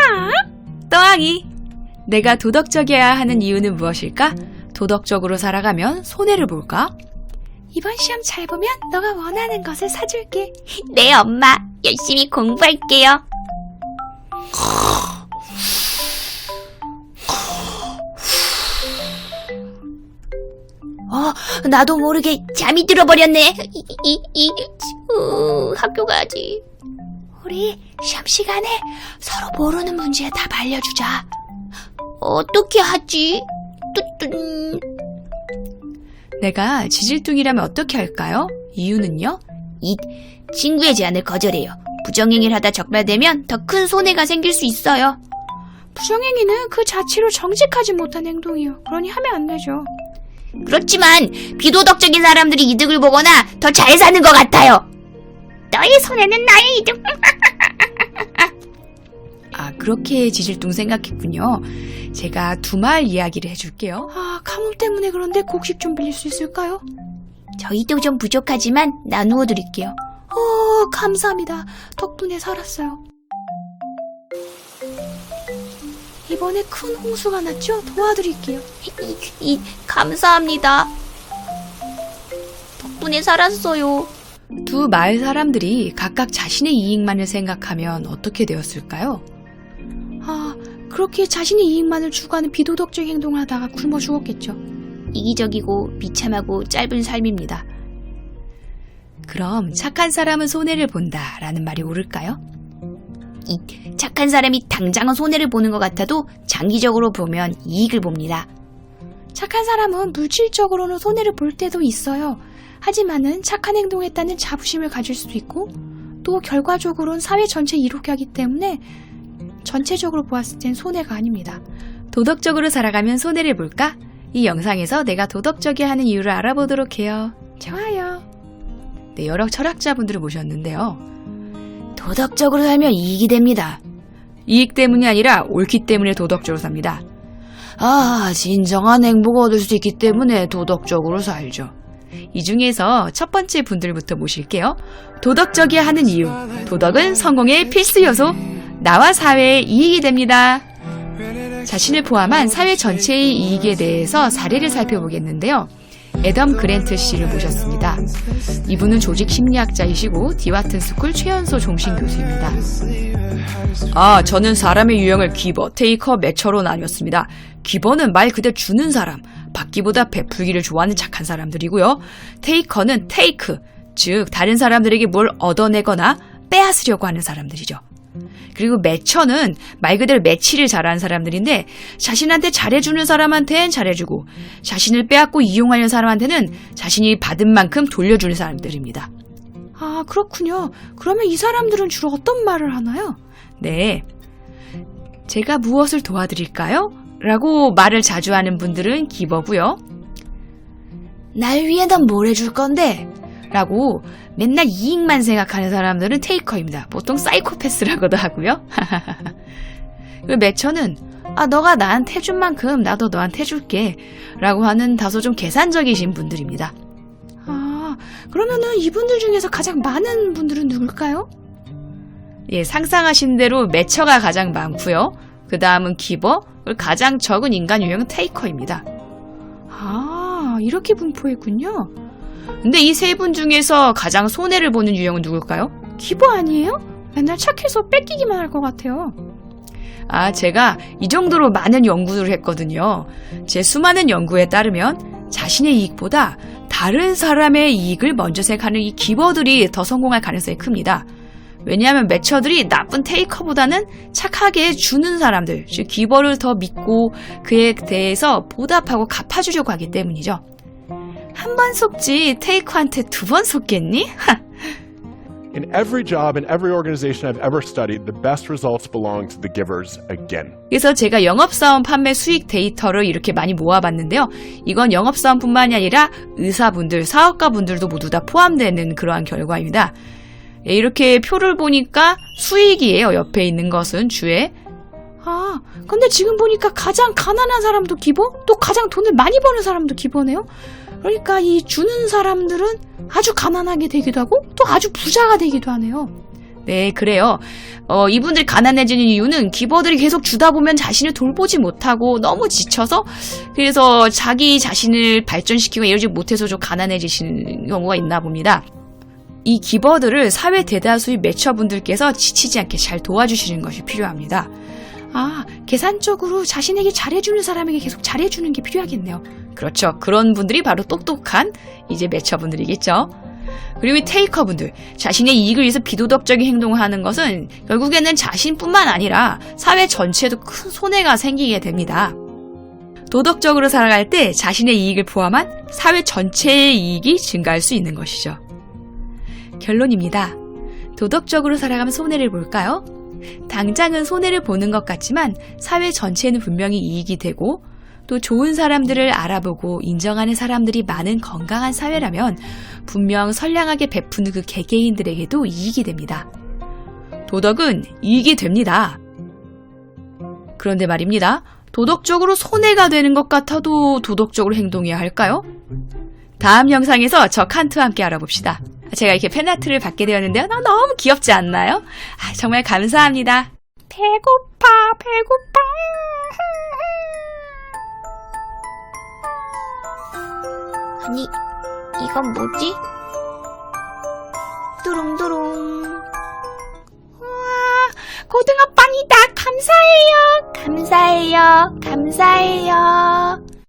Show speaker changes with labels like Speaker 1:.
Speaker 1: 떠하기. 내가 도덕적이어야 하는 이유는 무엇일까? 도덕적으로 살아가면 손해를 볼까?
Speaker 2: 이번 시험 잘 보면 너가 원하는 것을 사줄게.
Speaker 3: 네, 엄마. 열심히 공부할게요. 나도 모르게 잠이 들어버렸네. 학교 가야지.
Speaker 2: 우리 시험 시간에 서로 모르는 문제 답 알려주자.
Speaker 3: 어떻게 하지?
Speaker 1: 내가 지질둥이라면 어떻게 할까요? 이유는요?
Speaker 3: 친구의 제안을 거절해요. 부정행위를 하다 적발되면 더 큰 손해가 생길 수 있어요.
Speaker 2: 부정행위는 그 자체로 정직하지 못한 행동이요. 그러니 하면 안 되죠.
Speaker 3: 그렇지만 비도덕적인 사람들이 이득을 보거나 더 잘 사는 것 같아요. 너의 손해는 나의 이득.
Speaker 1: 아, 그렇게 지질둥 생각했군요. 제가 두 말 이야기를 해줄게요.
Speaker 2: 가뭄 때문에 그런데 곡식 좀 빌릴 수 있을까요?
Speaker 3: 저희도 좀 부족하지만 나누어 드릴게요.
Speaker 2: 감사합니다. 덕분에 살았어요. 이번에 큰 홍수가 났죠? 도와드릴게요.
Speaker 3: 감사합니다. 덕분에 살았어요.
Speaker 1: 두 마을 사람들이 각각 자신의 이익만을 생각하면 어떻게 되었을까요?
Speaker 2: 그렇게 자신의 이익만을 추구하는 비도덕적인 행동을 하다가 굶어 죽었겠죠.
Speaker 3: 이기적이고 비참하고 짧은 삶입니다.
Speaker 1: 그럼 착한 사람은 손해를 본다라는 말이 옳을까요?
Speaker 3: 착한 사람이 당장은 손해를 보는 것 같아도 장기적으로 보면 이익을 봅니다.
Speaker 2: 착한 사람은 물질적으로는 손해를 볼 때도 있어요. 하지만은 착한 행동했다는 자부심을 가질 수도 있고 또 결과적으로는 사회 전체에 이롭게 하기 때문에 전체적으로 보았을 땐 손해가 아닙니다.
Speaker 1: 도덕적으로 살아가면 손해를 볼까? 이 영상에서 내가 도덕적이어야 하는 이유를 알아보도록 해요.
Speaker 2: 좋아요.
Speaker 1: 네, 여러 철학자분들을 모셨는데요.
Speaker 3: 도덕적으로 살면 이익이 됩니다.
Speaker 1: 이익 때문이 아니라 옳기 때문에 도덕적으로 삽니다.
Speaker 3: 진정한 행복을 얻을 수 있기 때문에 도덕적으로 살죠.
Speaker 1: 이 중에서 첫 번째 분들부터 모실게요. 도덕적이어야 하는 이유. 도덕은 성공의 필수 요소. 나와 사회에 이익이 됩니다. 자신을 포함한 사회 전체의 이익에 대해서 사례를 살펴보겠는데요. 애덤 그랜트 씨를 모셨습니다. 이분은 조직 심리학자이시고 디와튼 스쿨 최연소 종신 교수입니다. 저는 사람의 유형을 기버, 테이커, 매처로 나뉘었습니다. 기버는 말 그대로 주는 사람, 받기보다 베풀기를 좋아하는 착한 사람들이고요. 테이커는 테이크, 즉 다른 사람들에게 뭘 얻어내거나 빼앗으려고 하는 사람들이죠. 그리고 매처는 말 그대로 매치를 잘하는 사람들인데 자신한테 잘해주는 사람한테는 잘해주고 자신을 빼앗고 이용하려는 사람한테는 자신이 받은 만큼 돌려주는 사람들입니다.
Speaker 2: 그렇군요. 그러면 이 사람들은 주로 어떤 말을 하나요?
Speaker 1: 네, 제가 무엇을 도와드릴까요? 라고 말을 자주 하는 분들은 기버고요.
Speaker 3: 날 위해 넌 뭘 해줄 건데?
Speaker 1: 라고 맨날 이익만 생각하는 사람들은 테이커입니다. 보통 사이코패스라고도 하고요. 그리고 매처는 너가 나한테 해준 만큼 나도 너한테 해줄게 라고 하는 다소 좀 계산적이신 분들입니다.
Speaker 2: 그러면은 이분들 중에서 가장 많은 분들은 누굴까요?
Speaker 1: 예, 상상하신 대로 매처가 가장 많고요. 그 다음은 기버, 그리고 가장 적은 인간 유형은 테이커입니다.
Speaker 2: 이렇게 분포했군요.
Speaker 1: 근데 이 세 분 중에서 가장 손해를 보는 유형은 누굴까요?
Speaker 2: 기버 아니에요? 맨날 착해서 뺏기기만 할 것 같아요.
Speaker 1: 제가 이 정도로 많은 연구를 했거든요. 제 수많은 연구에 따르면 자신의 이익보다 다른 사람의 이익을 먼저 생각하는 이 기버들이 더 성공할 가능성이 큽니다. 왜냐하면 매처들이 나쁜 테이커보다는 착하게 주는 사람들, 즉 기버를 더 믿고 그에 대해서 보답하고 갚아주려고 하기 때문이죠. 한 번 속지 테이커한테 두 번 속겠니?
Speaker 4: In every job, in every organization I've ever studied, the best results belong to the givers again.
Speaker 1: 그래서 제가 영업사원 판매 수익 데이터를 이렇게 많이 모아봤는데요. 이건 영업사원뿐만이 아니라 의사분들, 사업가분들도 모두 다 포함되는 그러한 결과입니다. 이렇게 표를 보니까 수익이에요. 옆에 있는 것은 주에.
Speaker 2: 근데 지금 보니까 가장 가난한 사람도 기버, 또 가장 돈을 많이 버는 사람도 기버네요. 그러니까 이 주는 사람들은 아주 가난하게 되기도 하고 또 아주 부자가 되기도 하네요.
Speaker 1: 네, 그래요. 이분들이 가난해지는 이유는 기버들이 계속 주다 보면 자신을 돌보지 못하고 너무 지쳐서 그래서 자기 자신을 발전시키고 이러지 못해서 좀 가난해지시는 경우가 있나 봅니다. 이 기버들을 사회 대다수의 매처분들께서 지치지 않게 잘 도와주시는 것이 필요합니다.
Speaker 2: 아, 계산적으로 자신에게 잘해주는 사람에게 계속 잘해주는 게 필요하겠네요.
Speaker 1: 그렇죠. 그런 분들이 바로 똑똑한 이제 매처분들이겠죠. 그리고 이 테이커분들, 자신의 이익을 위해서 비도덕적인 행동을 하는 것은 결국에는 자신뿐만 아니라 사회 전체에도 큰 손해가 생기게 됩니다. 도덕적으로 살아갈 때 자신의 이익을 포함한 사회 전체의 이익이 증가할 수 있는 것이죠. 결론입니다. 도덕적으로 살아가면 손해를 볼까요? 당장은 손해를 보는 것 같지만 사회 전체에는 분명히 이익이 되고 또 좋은 사람들을 알아보고 인정하는 사람들이 많은 건강한 사회라면 분명 선량하게 베푸는 그 개개인들에게도 이익이 됩니다. 도덕은 이익이 됩니다. 그런데 말입니다. 도덕적으로 손해가 되는 것 같아도 도덕적으로 행동해야 할까요? 다음 영상에서 저 칸트와 함께 알아봅시다. 제가 이렇게 팬아트를 받게 되었는데요. 너무 귀엽지 않나요? 정말 감사합니다.
Speaker 2: 배고파.
Speaker 3: 아니, 이건 뭐지? 뚜룽뚜룽.
Speaker 2: 고등어빵이다. 감사해요.
Speaker 3: 감사해요.